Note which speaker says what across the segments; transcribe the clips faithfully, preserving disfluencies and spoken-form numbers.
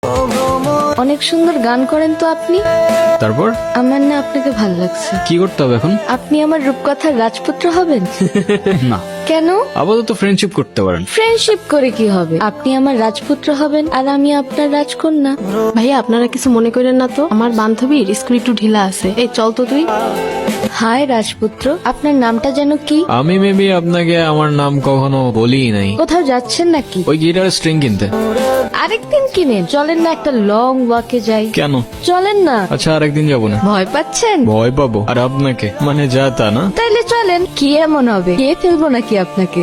Speaker 1: অনেক সুন্দর গান করেন তো আপনি।
Speaker 2: তারপর
Speaker 1: আমার না আপনাকে ভালো লাগছে।
Speaker 2: কি করতে হবে এখন?
Speaker 1: আপনি আমার রূপকথার রাজপুত্র হবেন।
Speaker 2: না,
Speaker 1: কেন?
Speaker 2: আপাতত ফ্রেন্ডশিপ করতে পারেন।
Speaker 1: ফ্রেন্ডশিপ করে কি হবে? আপনি আমার রাজপুত্র হবেন আর আমি আপনার রাজকন্যা।
Speaker 3: ভাইয়া আপনারা কিছু মনে করেন না তো, আমার বান্ধবীর স্কুল একটু ঢিলা আছে। এই চল তো তুই।
Speaker 1: হায় রাজপুত্র, আপনার নামটা যেন কি?
Speaker 2: আমি মেবি আপনাকে আমার নাম কখনো বলি নাই।
Speaker 1: কোথাও যাচ্ছেন নাকি?
Speaker 2: ওই গিটারের স্ট্রিং কিনতে।
Speaker 1: আরেকদিন কিনেন। চলেন না একটা লং ওয়াকে যাই।
Speaker 2: কেন?
Speaker 1: চলেন না।
Speaker 2: আচ্ছা আরেকদিন যাবো না।
Speaker 1: ভয় পাচ্ছেন?
Speaker 2: ভয় পাবো? আর আপনাকে মানে যা তা না।
Speaker 1: তাইলে চলেন। কি এমন হবে? কে ফেলবো নাকি আপনাকে?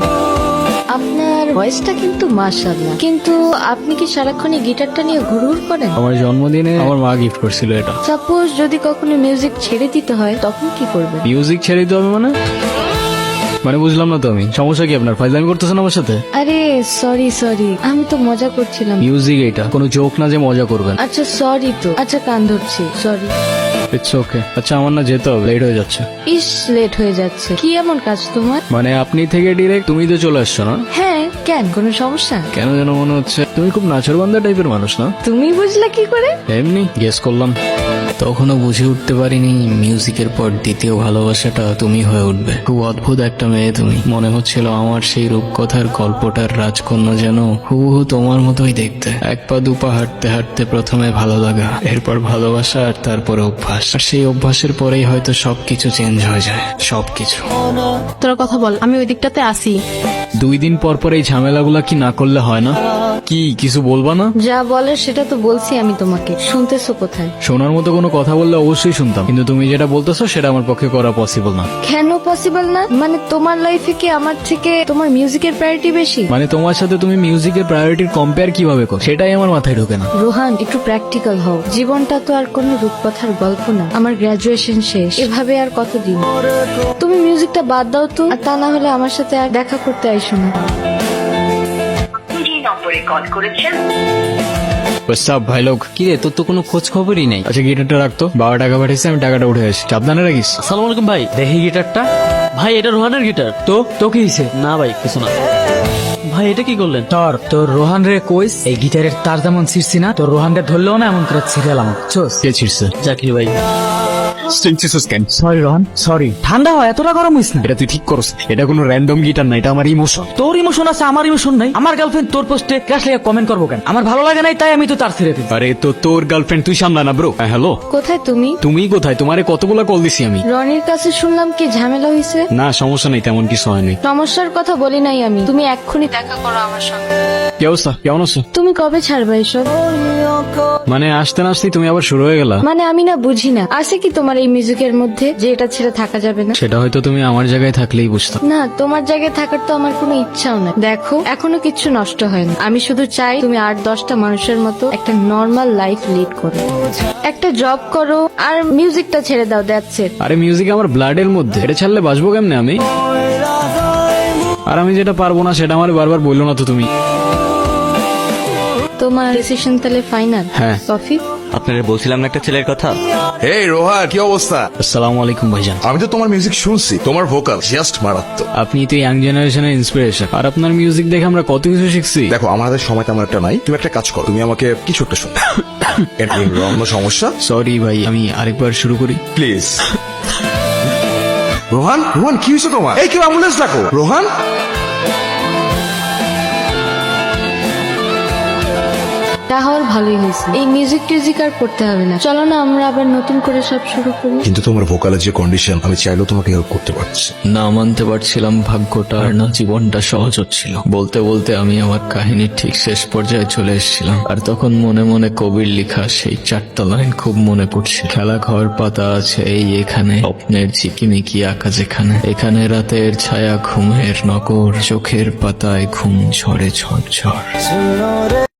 Speaker 1: আপনার ভয়েসটা কিন্তু মাশাআল্লাহ, কিন্তু আপনি কি সারাক্ষণ এই গিটারটা নিয়ে ঘুরঘুর করেন?
Speaker 2: আমার জন্মদিনে আমার মা গিফট করছিল এটা।
Speaker 1: সাপোজ যদি কখনো মিউজিক ছেড়ে দিতে হয় তখন কি করবেন?
Speaker 2: মিউজিক ছেড়ে দিতে হবে মানে? মানে বুঝলাম না তো আমি। সমস্যা কি আপনার? ফাইজলামি করতেছেন আমার সাথে?
Speaker 1: আরে সরি সরি, আমি তো মজা করছিলাম।
Speaker 2: মিউজিক এটা কোনো জোক না যে মজা করবেন।
Speaker 1: আচ্ছা সরি তো। আচ্ছা কান ধরছি, সরি।
Speaker 2: It's okay. আচ্ছা আমার না যেতে হবে, লেট হয়ে যাচ্ছে।
Speaker 1: ইস লেট হয়ে যাচ্ছে। কি এমন কাজ তোমার?
Speaker 2: মানে আপনি থেকে ডিরেক্ট তুমি তো চলে আসছো না?
Speaker 1: হ্যাঁ, কেন কোনো সমস্যা?
Speaker 2: কেন যেন মনে হচ্ছে তুমি খুব নাচরবান্ধা টাইপের মানুষ না?
Speaker 1: তুমি বুঝলা কি করে?
Speaker 2: এমনি গেস করলাম। তখনও বুঝে উঠতে পারিনি মিউজিকের পর দ্বিতীয় ভালোবাসাটা তুমি হয়ে উঠবে। খুব অদ্ভুত একটা মেয়ে তুমি। মনে হচ্ছিল আমার সেই রূপকথার গল্পটার রাজকন্যা যেন হুবহু তোমার মতোই দেখতে। এক পা দুপা হাঁটতে হাঁটতে প্রথমে ভালো লাগা, এরপর ভালোবাসা, আর তারপরে অভ্যাস। আর সেই অভ্যাসের পরেই হয়তো সবকিছু চেঞ্জ হয়ে যায়। সবকিছু।
Speaker 3: তোরা কথা বল, আমি ওই দিকটাতে আসি।
Speaker 2: দুই দিন পর পর এই ঝামেলাগুলা কি না করলে হয় না? কি কিছু বলবা না?
Speaker 1: যা বলার সেটা তো বলছি আমি তোমাকে। শুনতেছো কোথায়?
Speaker 2: শোনার মতো কোনো কথা বললে অবশ্যই শুনতাম, কিন্তু তুমি যেটা বলতেছো সেটা আমার পক্ষে করা পসিবল না।
Speaker 1: কেন পসিবল না? মানে তোমার লাইফে কি আমার থেকে তোমার মিউজিকের প্রায়োরিটি বেশি?
Speaker 2: মানে তোমার সাথে তুমি মিউজিকের প্রায়োরিটির কম্পেয়ার কিভাবে করো সেটাই আমার মাথায় ঢোকে না।
Speaker 1: রোহান, একটু প্র্যাকটিক্যাল হও। জীবনটা তো আর কোনো রূপকথার গল্প না। আমার গ্রাজুয়েশন শেষ, এভাবে আর কতদিন? তুমি মিউজিকটা বাদ দাও তো, আর তা না হলে আমার সাথে আর দেখা করতে আইসো না।
Speaker 4: যে নম্বরে কল করেছেন
Speaker 2: সব ভাই লোক।
Speaker 5: কি রে, তোর তো কোনো খোঁজ খবরই নেই।
Speaker 2: আচ্ছা গিটারটা রাখতো, বাবা টাকা পাঠিয়েছে, আমি টাকাটা উঠে আসি। সাবধানে রাখিস।
Speaker 5: আসসালামু আলাইকুম ভাই, দেখি গিটারটা। ভাই এটা রোহানের গিটার। তো তো কি হয়েছে? না ভাই কিছু না। ভাই এটা কি করলেন?
Speaker 6: তোর তোর রোহান রে কইস এই গিটারের তার যেমন ছিঁড়ছি না, তোর রোহান রে ধরলেও না এমন করে ছিঁড়েলাম। চোস
Speaker 2: কে ছিড়ছে?
Speaker 5: জাকির ভাই।
Speaker 6: Sorry Rohan, sorry. ঠান্ডা হয়, এতটা গরম হইস না।
Speaker 2: এটা তুই ঠিক করছ। এটা কোনো র্যান্ডম গিটার না, এটা আমার ইমোশন।
Speaker 6: তোর ইমোশন আছে, আমার ইমোশন নাই। আমার গার্লফ্রেন্ড তোর পোস্টে ক্রাশ লেগে কমেন্ট করবো কেন? আমার ভালো লাগে নাই তাই আমি তো তার ছেড়ে দিই।
Speaker 2: আরে তো তোর গার্লফ্রেন্ড তুই সামলা না ব্রো। হ্যালো,
Speaker 1: কোথায় তুমি?
Speaker 2: তুমি কোথায়? তোমারে কতগুলা কল দিছি আমি।
Speaker 1: রনির কাছে শুনলাম কি ঝামেলা হয়েছে।
Speaker 2: না সমস্যা নেই, তেমন কিছু হয়নি।
Speaker 1: সমস্যার কথা বলি নাই আমি। তুমি এক্ষুনি দেখা করো আমার সঙ্গে।
Speaker 2: কি অবস্থা? কেমন আছো?
Speaker 1: তুমি কবে ছাড়বে এসব?
Speaker 2: মানে আসতে না আসতেই তুমি আবার শুরু হয়ে গেলা।
Speaker 1: মানে আমি না বুঝি না, আছে কি তোমার এই মিউজিকের মধ্যে যে এটা ছেড়ে থাকা যাবে না?
Speaker 2: সেটা হয়তো তুমি আমার জায়গায় থাকলেই বুঝতাম।
Speaker 1: না, তোমার জায়গায় থাকার তো আমার কোনো ইচ্ছাও না। দেখো, এখনো কিচ্ছু নষ্ট হয় না। আমি শুধু চাই তুমি আট দশটা মানুষের মতো একটা নর্মাল লাইফ লিড করো, একটা জব করো, আর মিউজিকটা ছেড়ে দাও। That's it.
Speaker 2: আরে মিউজিক আমার ব্লাডের মধ্যে, এটা ছাড়লে বাঁচবো কেমনে আমি? আর আমি যেটা পারবো না সেটা আমার বারবার বললো না তো তুমি।
Speaker 1: তোমার ডিসিশন তাহলে ফাইনাল?
Speaker 2: হ্যাঁ।
Speaker 1: কফি?
Speaker 5: আপনারা বলছিলাম না একটা ছেলের কথা।
Speaker 7: এই রোহা, কি অবস্থা?
Speaker 2: আসসালামু আলাইকুম ভাইজান।
Speaker 7: আমি তো তোমার মিউজিক শুনছি, তোমার ভোকাল জাস্ট মারাত্মক।
Speaker 2: আপনি তো ইয়াং জেনারেশনের ইন্সপিরেশন, আর আপনার মিউজিক দেখে আমরা কত কিছু শিখছি।
Speaker 7: দেখো আমার হাতে সময় তেমন একটা নাই, তুমি একটা কাজ করো, তুমি আমাকে কিছু একটা শোনো। অন্য সমস্যা?
Speaker 2: সরি ভাই, আমি আরেকবার শুরু করি
Speaker 7: প্লিজ। রোহান, রোহান কি হয়েছে তোমার? এই কেউ অ্যাম্বুলেন্স ডাকো। রোহান,
Speaker 1: তাহলে ভালোই হয়েছে। এই মিউজিক টিউজিক আর করতে হবে না। চলো না আমরা আবার নতুন করে সব শুরু করি।
Speaker 7: কিন্তু তোমার ভোকালের যে কন্ডিশন, আমি চাইলেও তোমাকে হেল্প করতে পারছি।
Speaker 2: না মানতে পারছিলাম ভাগ্যটা, আর না জীবনটা সহজ হচ্ছিল। বলতে বলতে আমি আমার কাহিনীর ঠিক শেষ পর্যায়ে চলে এসেছিলাম, আর তখন মনে মনে কবির লেখা সেই চারটা লাইন খুব মনে পড়ছে। খেলা ঘর পাতা আছে এই এখানে, স্বপ্নের ঝিকিমিকি আঁকা যেখানে, এখানে রাতের ছায়া ঘুমের নগর, চোখের পাতায় ঘুম ঝরে ঝড় ঝড়।